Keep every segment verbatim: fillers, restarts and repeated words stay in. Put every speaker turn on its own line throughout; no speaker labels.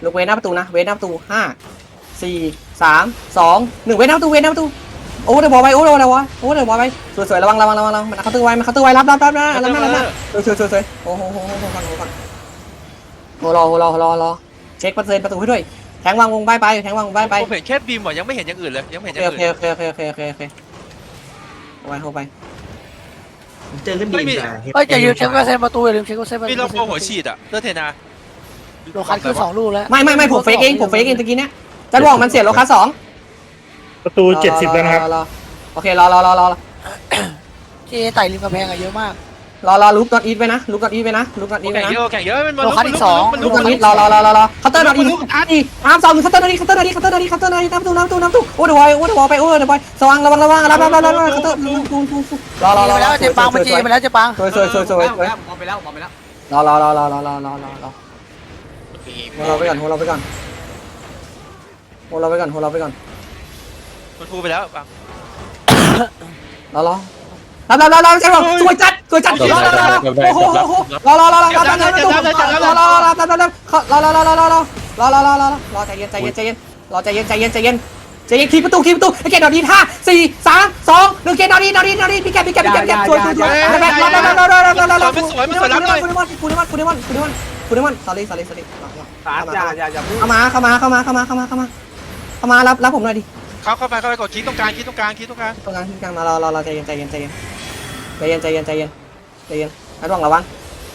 ลูกเวทหน้าประตูนะเวทหน้าประตูห้าสี่สามสองหนึ่งเวทหน้าประตูเวทหน้าประตูโอ้เดี๋ยวบอลไปโอ้เดี๋ยวบอลโอ้เดี๋ยวบอลไปสวยๆระวังระวังระวังระวังมันเขาตื้อไว้มันเขาตื้อไว้รับรับรับนะรับนะรับนะสวยๆสวยๆโอ้โหโอ้โหโอ้โหโอ้โหโอ้รอรอรอรอเช็คเปอร์เซ็นต์ประตูให้ด้วยแทงวางวงใบไปแทงวางวงใบไป
ผมเห็นแค่บีมว่ะยังไม่เห็นอย่างอื่นเลยยังไม่เห็นอย่าง
โอเค
อื่น
โอเคโอเคโอเคโอเคโอเคเข้าไปเข้าไป
เจอขึ้นดีจ้ะ
เฮ้ยอย่าลืมเช็คเปอร์เซ็นต์ประตูอย่าลืมเช็คเปอร์เซ็นต์ประตู
มีเราโปรหัวฉีดอ่ะเลือดเทนา
โลคัสคือสองลูกแล้ว
ไม่ไม่ไม่ผมเฟกเองผมเฟกเองตะกี้เนี้ยจะบอกมันเสียโลคัสสอง
ประตูเจ็ดสิบแล้วนะครับ
โอเครอรอรอรอ
เจไต่ริมกำแพงอะเยอะมาก
รอรอลุกดอทอีทไปนะลุกดอทอีทไปนะลุกดอทอีทไป
แข่ง
นะ
เยอะแข่งเยอะมันมัน
ลุกดอทอีทรอรอรอรอรอเคาน์เตอร์ดอทอีทอีน้ำสองเคาน์เตอร์ดอทอีทเคาน์เตอร์ดอทอีทเคาน์เตอร์ดอทอีทเคาน์เตอร์ดอทอีทน้ำตู้น้ำตู้น้ำตู้โอ้เดี๋ยวบอยโอ้เดี๋ยวบอยไปโอ้เดี๋ยวบอยสว่างระวังระวังรับรับรับรับเคาน์เตอร์รอรอรอ
ไปแล้วเจปังมันจีไปแล้วเจปัง
สวยสวยสวยสวย
บอลไปแล้วบอลไปแล้ว
รอรอรอรอรอรอรอรอรอโหเราไปก่อนโหเราไปก่อนโหเราไปก่อนโหเราไปก่อน
มันฟูไปแล้วปัง
รอรอรับรับรับรับใช่ป่ะสวยจัดสวยจัดรอรอรอรอโอ้โหโอ้โหรอรอรอรอรับรับรับรอรอรอรอรับรับรับรับรอรอรอรอรอรอรอรอรอรอรอใจเย็นใจเย็นใจเย็นรอใจเย็นใจเย็นใจเย็นใจเย็นคีประตูคีประตูไอ้เกดดอดีห้าสี่สามสองหนึ่งเกดดอดีดอดีดอดีพี่แกพี่แกพี่แกพี่แกสวยสวยสวยรอรอรอรอรอรอรอรอรอคุณนิมันคุณนิมันคุณนิมันคุณนิมันคุณนิมัน sorry sorry sorry
ตาอย่าอย่าอย่า
เข้ามาเข้ามาเข้ามาเข้ามาเข้ามาเข้ามาเข้ามารับรับผมหน่อยดิ
เข้าเข้าไปเข้าไปกดคีย์ตรงกลางคีย์ตรงกลางคีย์ตรงกลาง
ตรงกลางที่กลางมารอรอรอใจเย็นใจเย็นใจเย็นใจเย็นใจเย็นใจเย็นใจเย็นระวังระวัง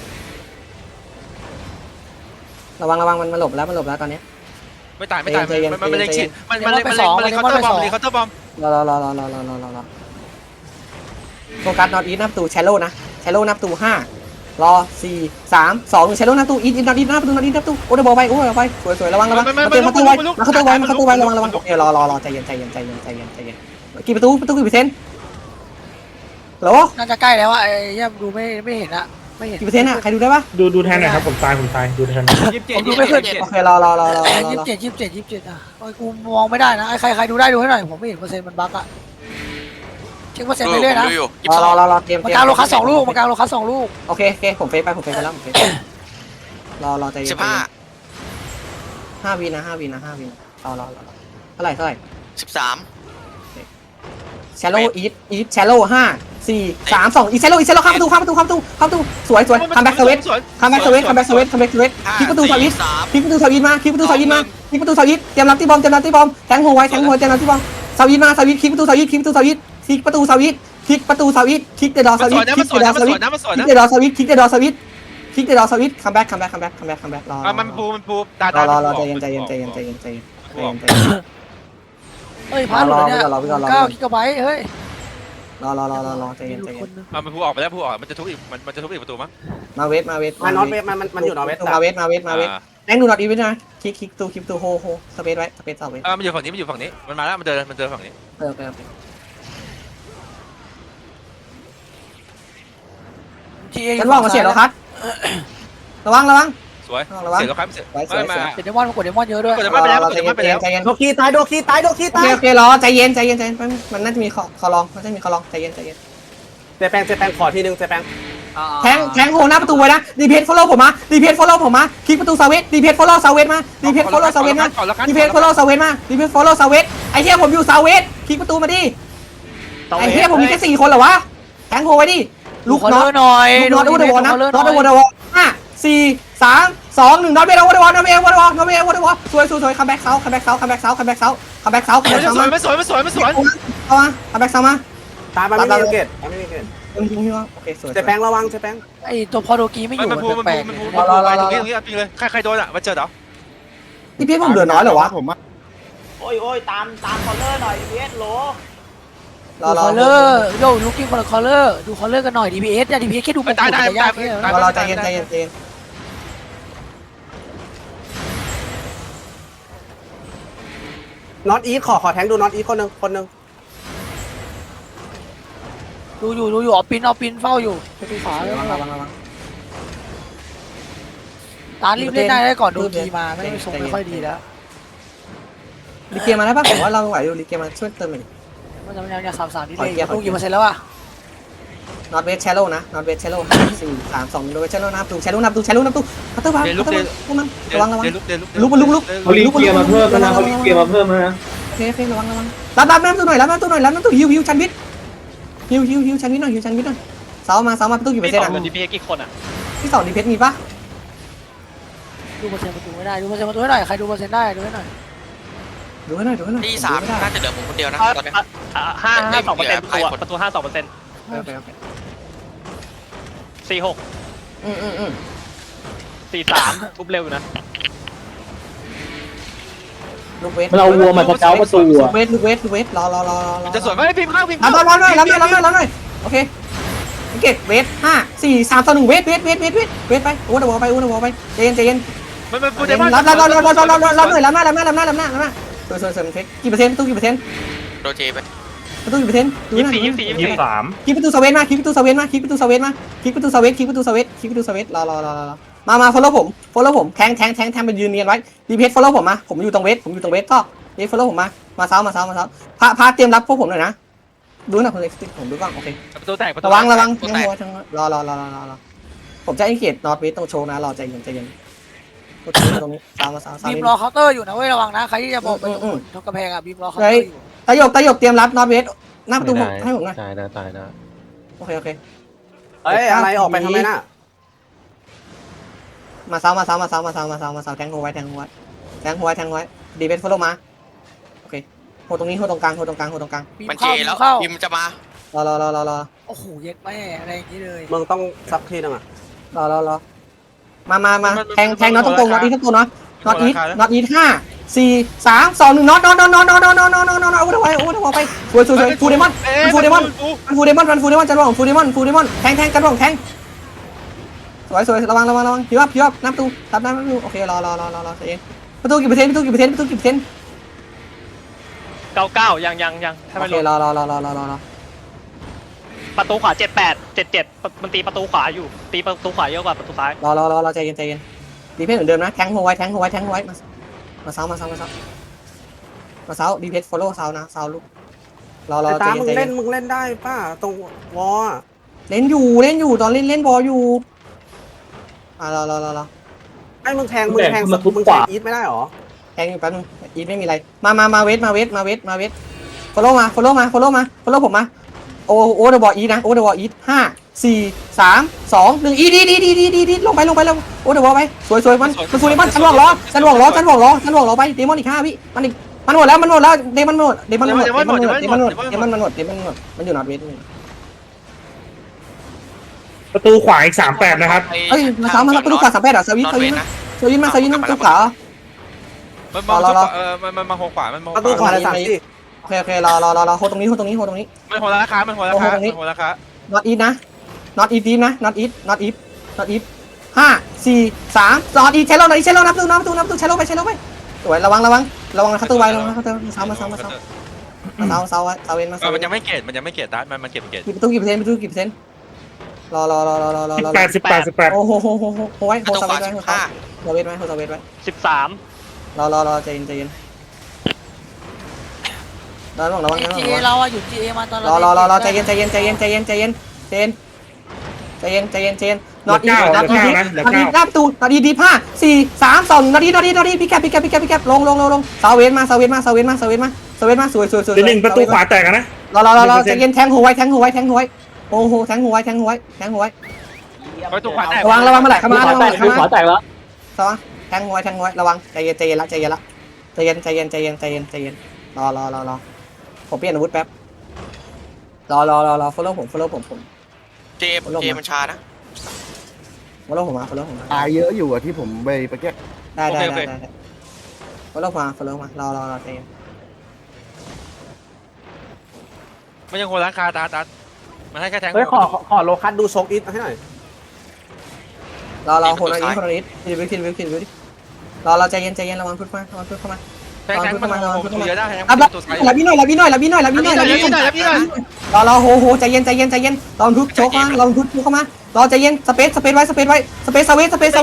ระวังระวังมันมันหลบแล้วมันหลบแล้วตอนนี้
ไม่ตายไม่ตายมันมันเล็งฉีดมันมันเล็งมันเล็งมันเล็งเคาน์เตอร์บอมเล็งเคาน์เตอร์บอม
รอรอรอรอรอรอรอรอรอโฟกัสนอตอีทหน้าประตูแชโลนะแชโลหน้าประตูห้ารอสี่สามสองแชโลหน้าประตูอีทอีทนอตอีทหน้าประตูนอตอีทหน้าประตูโอ้เดี๋ยวบอลไปโอ้เดี๋ยวไปสวยสวยระวังระวังมาเตะมาตู้ไว้มาเข้าตู้ไว้มาเข้าตู้ไว้ระวังระวังโอเครอรอรอใจเย็นใจเย็นใจเย็นใจเย็นใจเย็นกี่ประตูประตูกี่เปอร์เซ็นต์เหรอ
น่าจะใกล้แล้วอะไอ้ย่าดูไม่ไม่เห็นอะไม่เห็น
กี่เปอร์เซ็นต์อะใครดูได้ปะ
ดูดูแทนหน่อยครับผมตายผมตายดูแทน
ยี่สิบเจ็ด
ผมดูไม่ขึ้น
โอเครอรอรอรอรอ
ยี่สิบเจ็ดยี่สิบเจ็ดยี่สิบเจ็ดอะโอ้ยกูมองไม่ได้นะไอ้ใครใครดูได้ดูให้หน่อยผมไม่เห็นเปอร์เซ็นต์มันบั๊กอะเช็คเปอร์เซ็นต์ไปเรื่อยนะ
รอรอรอรอเตรียม
มากลางโลคัสสองลูกมากลางโลคัสสองลูก
โอเคโอเคผมเฟซไปผมเฟซไปแล้วผมเฟซรอรอใจเย็น
สิบห้า
ห้าวินะห้าวินะห้าวินะรอรอรอเท่าไหร่เท่าไหร่
สิบสาม
แชโลอีทอีทแชโลห้าสี่สามสองอีแชโลอีแชโลข้ามประตูข้ามประตูข้ามประตูข้ามประตูสวยสวยคัมแบ็กสวิตคัมแบ็กสวิตคัมแบ็กสวิตคัมแบ็กสวิตคลิกประตูสวิตคลิกประตูสวิตมาคลิกประตูสวิตมาคลิกประตูสวิตเตรียมรับที่บอมเตรียมรับที่บอมแทงหัวไว้แทงหัวเตรียมรับที่บอมสวิตมาสวิตคลิกประตูสวิตคลิกประตูสวิตคลิกประตูสวิตคลิกประตูสวิตคลิกเดดอสวิตคลิกเดดอสวิตคลิกเดดอสวิตคลิกเดดอสวิตคลิกเดดอสวิตคัมแบ็กคัมแบ็กคัมแบ็กคัมแบ็กคัมแบ็กรอ
มันฟูมันฟูตาร
อ
ตาร
อรอใจเย็นใจเย็นใจเย็นใจเย็นใจเย็นใจเย็นใจเย็น
เฮ้ยพาหลุดเนี่ยเก้ากิกะไบต์เฮ้ย
รอรอรอรอรอใจเย็นใจเย็น
มันฟูออกไปแล้วฟูออกมันจะทุบอีกมันมันจะทุบอีกประตูมั้ง
มาเวทมาเวท
มานอตเวทมันมันอยู่นอตเวท
มาเวทมาเวทมาเวทแองดูนอตอีเวนต์นะคลิกคลิกตูคลิกตูโฮโฮสเปซไว้สเปซต่อเวท
อ่ามันอยู่ฝั่งนี้มันอยู่ฝั่งนี้มันมาแล้วมันเดินมันเดินฝั่งนี้
เออโอเคโอเค
ที
ฉันบอกมาเสียแล้วครับระวังระวัง
สวยเสียแล้วครับเสียไม่มา
เดมอนกดเดมอนเยอะด้วย
กดจะไม่ไปแล้วกดจะไม่ไปแล้ว
ใจเย็น
โดคีตายโดคีตายโดคี
โอ
ตา
เค
ย
โอเครอใจเย็นใจเย็นใจเย็นมันน่าจะมีคอคอลองมันจะมีคอลองใจเย็นใจเย็น
เจแปงเจแปงขอทีนึงเจแปง
แทงแทงโฮหน้าประตูไว้นะดีเพจฟอลโล่ผมมาดีเพจฟอลโล่ผมมาคลิกประตูซาเวตดีเพจฟอลโล่ซาเวตมาดีเพจฟอลโล่ซาเวตมาดีเพจฟอลโล่ซาเวตมาดีเพจฟอลโล่ซาเวตไอ้เหี้ยผมอยู่ซาเวตคลิกประตูมาดิไอ้เหี้ยผมมีแค่สี่คนเหรอวะแทงโฮไว้ดิลูก
ขอ
น็อ
เลื
ต
อหน่อย
น็อตอุดวนะน็อตอุดวห้าสี่สามสองหนึ่งน็อตเบลอุดวน็อตเบลอุดวน็อตเบลอุดวสวยสวยสวยคัมแบ็กเซาคัมแบ็กเซาคัมแบ็กเซาคัมแบ็กเซาคัมแบ็กเซาคัมแบ็กเซา
สวยไม่สวยไม่สวยไม่สวย
เอามาคัมแบ็กเซามา
ตามมาไม่มีเกตไม่มีเกต
โอเคสวย
เจแปงระวังเจแปง
ไอ้ตัวพอโดกีไม่อ
มัน
ยู่
มันฟูมัน
แปล
ฟู
ก
มันฟูมันฟูไปตรงนี้ตรงนี้จริงเลยใครใครโดนอ่ะมาเจอเหรอ
นี่พี่ผมเหลือน้อยเหรอวะผม
โอ้ยโอ้ยตามตามคอลเลอร์หน่อยพีเอสโหล
รอ
ดู
รอ
คอลเลอร์โย่ลุกกิ้งคอลคอลเลอร์ดูคอลเลอร์กันหน่อย ดี พี เอส เนี่ย ดี พี เอส แค่ดูมัน
ตายตาย
ยากแค่
รอรอใจเย็นใจเย็นใจเย็น
น็อตอีทขอขอแทงดูน็อตอีทคนนึงคนนึง
ดูอยู่ดูอยู่เอาปินเอาปินเฝ้าอยู่ประตูขวา
ระวังระวังระวัง
ตารีบเล่นได้ได้ก่อนโดนกีมาไม่ได้ชงไม่ค่อยดีแล้ว
รีเกมมาได้ป่ะผมว่าเราไหวอยู่รีเกมมาช่วยเติมหน่อย
มันจะมันยังสามสามนี่
ขอ
เลย
เกียร์ขอ
ลูก
เกียร์
กี่เปอร์เซ็นต์แล้วอ่ะ
นอตเวสแชโลนะนอตเวสแชโลห้าสี่สามสองนอตเวสแชโลนับตูแชโลนับตูแชโลนับตูคัตเตอร์วาง
เดลุก
คัตเต
เด
อร์
ลุก
มันระวังระวัง
เดลุกเดลุก
ลุกลุกลุก
เขารีบเกียร์มาเพิ่มแล้วนะเขารีบเกียร์มาเพิ่มแล้วนะ
โอเคโอเครับวังระวังรับรับน้ำตัวหน่อยรับน้ำตัวหน่อยรับน้ำตัวฮิวฮิวชันวิทฮิวฮิวฮิวชันวิทหน่อยฮิวชันวิทหน่อยเสามาเสามาประตูกี่เปอ
พี่
ร์เซ็น
ส
ต์
อง
อ่ะ
เงินดีพีกี่คนอ่ะ
ที่สองดีเพชรมีปะ
ดูเปอร์เซ็นต์ประตูไม่ได้ดูเปอร์เซ็นต์ประตูให้หน่อยใครดูเปอร์เซ็นต์ได้ดูให้หน่อย
ดูให้หน่อยดูให้หน่อย
ที่สามน่าจะเหลือผมคนเดียวนะตอนนี้
ห้าห้าสองเปอร์เซ็นต์ประตูประตูห้าสองเปอร์เซ็นต์
โอเคโอเค
สี่หก
อืมอืมอืม
สี่สามปุ๊บเร็วอยู่นะ
ลูกเวท
มันเอาวัวมาสเกาประตู
ลู
อ่ะ
กเวทลูกเวทลูกเวทรอรอรอรอ
จะสวนไหมพิมพ์ข้างพิมพ์
รับรับรับหน่อยรับหน่อยรับหน่อยรับหน่อยโอเคเก็บเวทห้าสี่สามต่อหนึ่งเวทเวทเวทเวทเวทเวทไปโอ้เดวอลไปโอ้เดวอลไปใจเย็นใจเย็น
มันมันพูด
รับ
ได้
รับรับรับรับรับรับรับหน่อยรับหน้ารับหน้ารับหน้ารับหน้ารับหน้าสวยสวยสวยเทคกี่เปอร์เซ็นต์ประตูกี่เปอร์เซ็นต์
โดเจไป
ประตูกี่เปอร์เซ็นต์ดู
ยี่
หน่
สิ
อบ ย
สี่ยี่สิบสี่ยี่สิบ
ยี่
สี่
สาม
คิกประตูสเวนมาคิกประตูสเวนมาคิกประตูสเวนมาคิกประตูสเวนคิกประตูสเวนคิกประตูสเวนรอรอรอรอมามา follow ผม follow ผมแทงแทงแทงแทงไปยืนเนียนไว้ดีเพจ follow ผมมาผมอยู่ตรงเวทผมอยู่ตรงเวทก็ดี follow ผมมามาเซ้ามาเซ้ามาเซ้าพาพาเตรียมรับพวกผมหน่อยนะดูหน่อยคนเล็กผมดูก่อนโอเค
ประตูแตกประตู
ระวังระวัง
ประตู
ยัง
แตก
หัวจังรอรอรอรอรอผมจะอินเกตนอตเวทต้องโชว์นะรอใจเย็นใจเย็นตรงนี้ตรงนี้เซ้ามาเซ้าเซ้า
บีมรอเคาน์เตอร์อยู่นะเว้ยระวังนะใครที่จะบอกไปตรงทุกกระแพงอ่ะบีมรอเคาน์เตอร์อยู่
ตายกตายกเตรียมรับนอตเวทหน้าประตูให้ผมหน่อย
ตายนะตายนะ
โอเคโอเค
เอ้ยอะไรออกไปทำไมน่ะ
มาเซ้ามาเซ้ามาเซ้ามาเซ้ามาเซ้ามาเซ้าแทงหัวไว้แทงหัวไว้แทงหัวไว้แทงหัวไว้ดีเพจ follow มาโอเคโหตรงนี้โหตรงกลางโหตรงกลางโหตรงกลาง
บีม
มันเจ
เข้าบี
แล้ว
มเข้า
พิมพ์จะมาร
อรอรอรอรอ
โอ้โหเย็ดแม่อะไรอย่างงี้เลย
มึงต้องซักทีนึงอ่ะ
รอรอรอมามามาแทงแทงน็อตตรงตรงน็อตอีททั้งตัวน็อตน็อตอีทน็อตอีทห้าสี่สามสองหนึ่งน็อตน็อตน็อตน็อตน็อตน็อตน็อตน็อตน็อตน็อตเอาไว้เอาไว้เอาไปสวยสวยสวยฟูเดมอนฟูเดมอนฟูเดมอนฟูเดมอนจันหว่องฟูเดมอนฟูเดมอนแทงแทงจันหว่องแทงสวยสวยระวังระวังระวังพี่ว่าพี่ว่าน้ำตู้ทับน้ำน้ำตู้โอเครอรอรอรอรอใจเย็นประตูกี่เปอร์เซ็นต์ประตูกี่เปอร์เซ็นต์ประตูกี่เปอร์เซ็นต์
เก้าเก้ายังยังยังถ้า
โอ
ไม่
เค
รู้
รอรอรอรอรอรอรอ
ประตูขวาเจ็ดแปดเจ็ดเจ็ดมันตีประตูขวาอยู่ตีประตูขวาเยอะกว่าประตูซ้าย
รอรอรอรอใจเย็นใจเย็นดีเพจเหมือนเดิมนะแทงหัวไว้แทงหัวไว้แทงหัวไว้มามาเซามาเซามาเซามาเซาดีเพจ follow เซานะเซาลูกรอรอ
ไอ้
ใจ
ตา
เย็
มึ
น
ง
ใจ
เล่
เย็
น
น
มึงเล่นได้ป้าตรงวอล
เล่นอยู่เล่นอยู่ตอนเล่นเล่นบอลอยู่อ่ารอรอรอรอ
ไอ้มึงแทงมึงแทงมึงแทงอีทไม่ได้หรอ
แทงอยู่แป๊บนึงอีทไม่มีอะไรมามามาเวทมาเวทมาเวทมาเวท follow มา follow มา follow มา follow ผมมาโอโอเดอะบอลอีนะโอเดอะบอลอีห้าสี่สามสองหนึ่งอีดีดีดีดีดีดีลงไปลงไปลงโอเดอะบอลไปสวยสวยมันมันฟูเดมอนฉันหวงล้อฉันหวงล้อฉันหวงล้อฉันหวงล้อไปเดมอนอีกห้าวิมันอีกมันหมดแล้วมันหมดแล้วเดมอนหมดเดมอนหมดเดมอนหมดเดมอนหมดเดมอนหมดเดมอนหมดมันอยู่นอตเวท
ประตูขวาอีกสามแปดนะครับ
เอ้ยมาเช้ามาประตูขวาสามแปดอ่ะสวิตสวิตมาสวิตมาสวิตมาประตูขวา
มันมาเออมันมันมาหัวขวามันมอง
ประตูขวาเลยสามสี่
โอเคโอเครอรอรอรอโฮตรงนี้โฮตรงนี้โฮตรงนี้
มันหัวราคามันหัวราคามันหัวราคา
not eat นะ not eat deep นะ not eat not eat not eat ห้าสี่สาม not eat ใช้เราหน่อยใช้เรานับตู้นับตู้นับตู้ใช้เราไปใช้เราไปสวยระวังระวังระวังนะคัตเตอร์ไว้ระวังนะคัตเตอร์มาเช้ามาเช้ามาเช้ามาเช้าเช้าเช้าเว้นมาเช้า
มันยังไม่เกตมันยังไม่เกตตัดมันมันเก็บเกต
กี่ประตูกี่เปอร์เซ็นต์ประตูกี่เปอร์เซ็นต์รอรอรอรอรอรอรอ
แปดสิบแปดสิบแปด
โอ้โหโหโหโหไว้โฮ
ประตู
ส
ข
เว
วา
ทไว้
สิ
โฮ
บ
ส
ห้า
เวทไว้โฮสเวทไว้
สิบสาม
รอรอรอใจเย็นใจเย็นระวังระวังระวัง
จี
ระ
เอ
วัง
เราอะอยู่จีเอมาตอน
รอรอรอรอใจเย็นใจเย็นใจเย็นใจเย็นใจเย็นใจเย็นใจเย็นใจเย็นใจเย็นนอตอีนอตอีนอตอีหน้าประตูนอตอีดีห้าสี่สามสองนอตอีนอตอีนอตอีพี่แกพี่แกพี่แกพี่แกลงลงลงลงเซาเวนมาเซาเวนมาเซาเวนมาเซาเวนมาเซาเวนมาสวยสวยสวย
เดี๋ยวหนึ่งประตูขวาแตกนะ
รอรอรอรอใจเย็นแทงหัวไว้แทงหัวไว้แทงหัวไว้โอ้โหแทงหัวไว้แทงหัวไว้แทงหัวไว้
ประตูขวาแตก
ระวังระวังเมื่อไหร่เข้ามาระวัง
แต
เมื่อก ไหร่
ข
เข้าว
าแตกแล้ว
สวังแทงหัวไว้แทงหัวไว้ระวังใจเย็นใจเย็นละใจเย็นละใจเย็นใจเย็นใจเย็นใจเย็นใจเย็นรอรอรอรอผมเปลี่ยนอาวุธแป๊บรอรอรอรอ follow ผม follow ผมผม
เจมเจมันชานะ
follow ผมมา follow ผมมา
ตายเยอะอยู่อะที่ผมไปไปแก้
ได้ได้ได้ได้ follow มา follow มารอรอรอใจเย็น
มันยังหัวราคาตัดตัดมันให้แค่แทง
เฮ้ยขอขอโลคัสดูโชกอีทให้หน่อย
รอรอคนละนิดคนละนิดคิดวิวคิดวิวคิดวิวดิรอเราใจเย็นใจเย็นระวังพึ่งมาระวังพึ่งเข้ามา
แทงแทงมันเยอะได้แทง
รับรับ
ตัวไซ
รับพี่หน่อยรับพี่หน่อยรับพี่หน่อยรับพี่หน่อยรับพี่หน่อยรอรอโหโหใจเย็นใจเย็นใจเย็นรอพึ่งโชกมาลองพึ่งเข้ามารอใจเย็นสเปซสเปซไว้สเปซไว้สเปซสเวทสเปซสเวท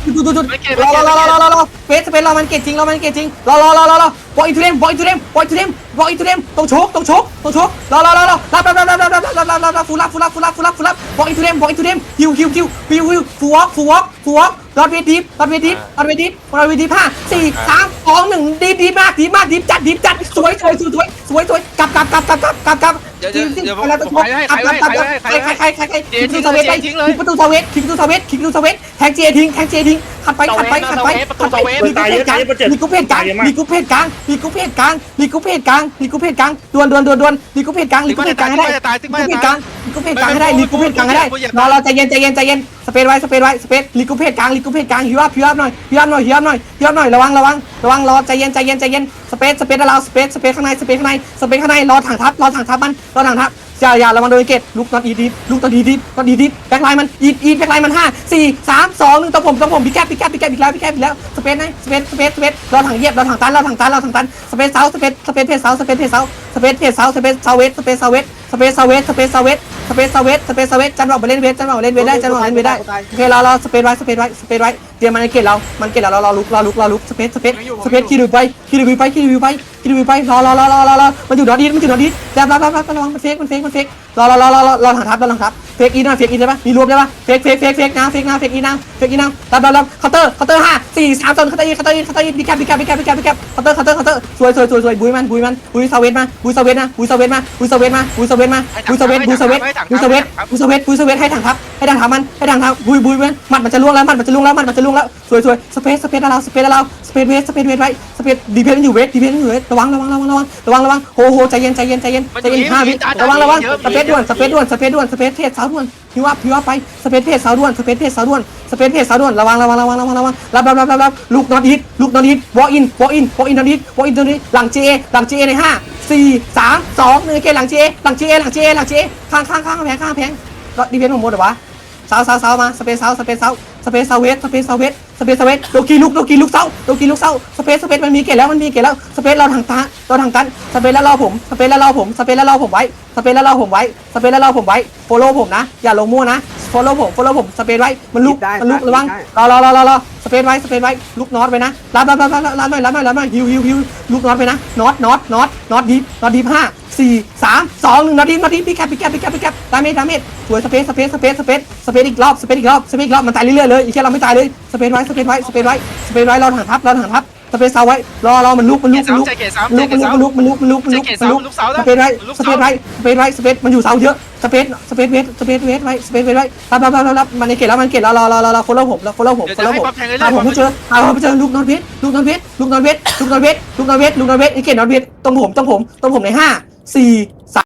ดูดูดูรอรอรอรอรอรอเฟสเฟสรอมันเก่งจริงรอมันเก่งจริงรอรอรอรอรอบอลอินทูเดมบอลอินทูเดมบอลอินทูเดมบอลอินทูเดมตรงโชกตรงโชกตรงโชกรอรอรอรอรับรับรับรับรับรับรับรับรับฟูรับฟูรับฟูรับฟูรับฟูรับบอลอินทูเดมบอลอินทูเดมฮิวฮิวฮิวฮิวฮิวฟูวอล์กฟูวอล์กฟูวอล์กรอดเวทีรอดเวทีรอดเวทีรอดเวทีห้าสี่สามสองหนึ่งดีดีมากดีมากดีจัดดีจัดสวยสวยสวยสวยสวยสวยกลับกลับกลับกลับกลับกลับกลับ
เดี๋ยวเดี๋ยวเดี๋ยวผม
แล้ว
ผมให้ให้ให้ให้ให้
ใครใครใครใครใคร
เจทิ้ง
สเวตไป
ทิ้งเลย
คิกประตูสเวตคิกประตูสเวตคิกประตูสเวตแทงเจทิ้งแทงเจทิ้งขัดไปขัดไปขัดไปขัดไปมีกุเพศกลางมีกุเพศกลางมีกุเพศกลางมีกุเพศกลางมีกุเพศกลางมีกุเพศกลางดวนดวนดวนดวนมีกุเพศกลางมีกุเพศกลางให้ได้มีกุเพศกลางมีกุเพศกลางให้ได้มีกุเพศกลางให้ได้รอรอใจเย็นใจเย็นใจเย็นสเปซไว้สเปซไว้สเปซลีกุเพศกลางลีกุเพศกลางฮิวอัพฮิวอัพหน่อยฮิวอัพหน่อยฮิวอัพหน่อยฮิวอัพหน่อยระวังระวังระวังรอใจเย็นใจเย็นใจเย็นสเปซสเปซเราสเปซสเปซข้างในสเปซข้างในสเปซข้างในรอถังทับรอถังทับมันรอถังทับอย่าอย่าระวังโดนเกตลุกนอนอีดิฟลุกนอนอีดิฟนอนอีดิฟแบ็คไลน์มันอีอีแบ็คไลน์มันห้าสี่สามสองหนึ่งตัวผมตัวผมพี่แคบพี่แคบพี่แคบอีกแล้วพี่แคบอีกแล้วสเปซไหนสเปซสเปซสเปซรอถังเหยียบรอถังตันรอถังตันรอถังตันสเปซเซาสเปซสเปซเพจเซาสเปซเพจเซาสเปซเพจเซาสเปซเซาเวสสเปซเซาเวสสเปซเซาเวสสเปซเซาเวสสเปซเซาเวสสเปซเซาเวสจันบอกไปเล่นเวสจันบอกเล่นเวสได้จันบอกเล่นเวสได้โอเครอรอสเปซไว้สเปซไว้สเปซไว้เตรียมมันเกตเรามันเกตเรารอรอลุกรอลุกรอลุกสเปซสเปซสเปซคีดูไปคีดูไปคีดูไปคีดูไปรอรอรอรอรอรอมันอยู่นอดีมันอยู่นอดีแล้วแล้วแล้วระวังมันเฟกมันเฟกมันเฟกรอรอรอรอรอรอถังทับรอถังทับเฟกอีนะเฟกอีได้ปะมีรวมได้ปะเฟกเฟกเฟกเฟกนะเฟกนะเฟกอีนะเฟกอีนะรับรับรับเคาน์เตอร์เคาน์เตอร์ห้าสี่สามสองเคาน์เตอร์อีเคาน์เตอร์อีเคาน์เตอร์อีบีแคปบีแคปบีแคปบีแคปบีแคปเคาน์เตอร์เคาน์เตอร์เคาน์เตอร์สวยสวยสวยสวยบุยมันบุยมันบุยซาเวตมาบุยซาเวตมาบุยซาเวตมาบุยซาเวตมาบุยซาเวตมาบุยซาเวตบุยซาเวตบุยซาเวตบุยซาเวตบุยซาเวตให้ถังทับให้ถังทับมันให้ถังทับบุยบุยมันมันมันจะล่วงแล้วมันมันจะล่วงแล้วมันมันจะล่วงแล้วสวยสวยสเปซสเปซเราสเปซเราสเปซเวสสเปซเวสไว้สเปซดีเพนอยู่เวสดีเพนอยู่เวสระวังระวังระวังระวังระวังระวังโหโหใจเย็นใจเย็นใจเย็นใจเย็นห้าวิระวังระวังสเปซด่วนสเปซด่วนสเปซด่วนสเปซเทสสาวด่วนพิวอัพพิวอัพไปสเปซเพจสาวด่วนสเปซเพจสาวด่วนสเปซเพจสาวด่วนระวังระวังระวังระวังระวังรับรับรับรับรับลูกนอตอีทลูกนอตอีทวอล์กอินวอล์กอินวอล์กอินนอตอีทวอล์กอินนอตอีทหลังเจหลังเจในห้าสี่สามสองหนึ่งเกหลังเจหลังเจหลังเจหลังเจข้างข้างข้างแพงข้างแพงดีเพนของโมดเหรอวะสาวสาวสาวมาสเปซสาวสเปซสาวสเปซสาวเวสสเปซสาวเวสสเปซสเวสโดกีลุกโดกีลุกเสาโดกีลุกเสาสเปซสเปซมันมีเกตแล้วมันมีเกตแล้วสเปซเราทางตาเราทางตันสเปซแล้วรอผมสเปซแล้วรอผมสเปซแล้วรอผมไว้สเปซแล้วรอผมไว้สเปซแล้วรอผมไว้โฟโล่ผมนะอย่าลงมั่วนะโฟโล่ผมโฟโล่ผมสเปซไว้มันลุกมันลุกระวังรอรอรอรอรอสเปซไว้สเปซไว้ลุกน็อตไปนะรับรับรับรับรับหน่อยรับหน่อยรับหน่อยฮิวฮิวฮิวลุกน็อตไปนะน็อตน็อตน็อตน็อตดีน็อตดีห้าสี่สามสองหนึ่งน็อตดีน็อตดีพี่แคปพี่แคปพี่แคปพี่แคปดาเมจดาเมจสวยสเปซสเปซสเปซสเปซสเปซอีกรอบสเปซอีกรอบสเปซอีกรอบมันตายเรื่อยๆเลยอีกแค่เราไม่ตายเลยสเปซไว้สเปซไว้สเปซไว้สเปซไว้เราถังทับเราถังทับสเปซเซาไว้รอรอมันลุกมันลุกมันลุกมันลุกมันลุกมันลุกมันลุกมันลุกมันลุกสเปซไว้สเปซไว้สเปซไว้สเปซมันอยู่เสาเยอะสเปซสเปซเวสสเปซเวสไว้สเปซเวสไว้รับรับรับรับมันในเกตแล้วมันเกตแล้วรอรอรอรอโฟล์ผมแล้วโฟล์ผมโฟล์ผมหาผมไม่เจอหาผมไม่เจอลูกนอตเวสลูกนอตเวสลูกนอตเวสลูกนอตเวสลูกนอตเวสลูกนอตเวสลูกนอตเวสไอ้เกตนอตเวสตรงผมตรงผมตรงผมในห้าสี่